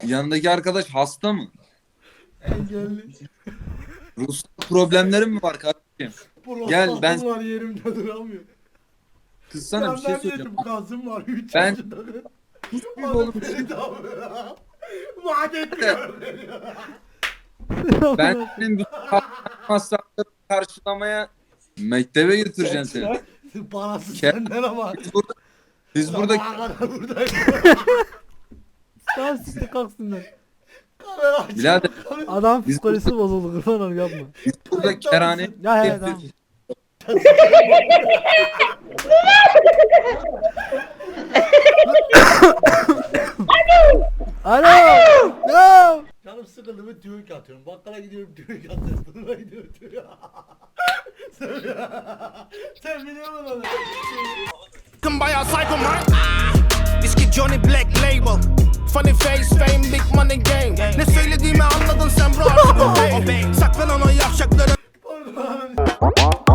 yanındaki arkadaş hasta mı? Engelli. Ruhsal problemlerin mi var kardeşim? Gel, ben- var yerimde duramıyor. Kız sana bir şey Senden söyleyeceğim. yedim gazım var. 3 Ben- yaşında. Sus bir oğlum. Vaat etmiyorum beni. Ben senin bütün masraflarını karşılamaya mektebe götüreceğim seni. Parası Ke- senden ama. Biz burada Sabaha kadar buradayım. Tamam siktir kalksınlar. Kamera açık. birader Adam Biz psikolojisi bozuldu kurban olayım yapma. biz burada kerane Ya he tamam. Alo. Yo. Canım sıkıldı mı tüyük atıyorum. Bakkala gidiyorum tüyük atıyorum. Fırına gidiyorum tüyük. Sen biliyor musun onu? Come by our cycle, man. This kid Johnny Black Label. Funny face, fame, big money game. Ne söylediğimi anladın sen bro artık obey. Saklanan o yavşakları. Pardon.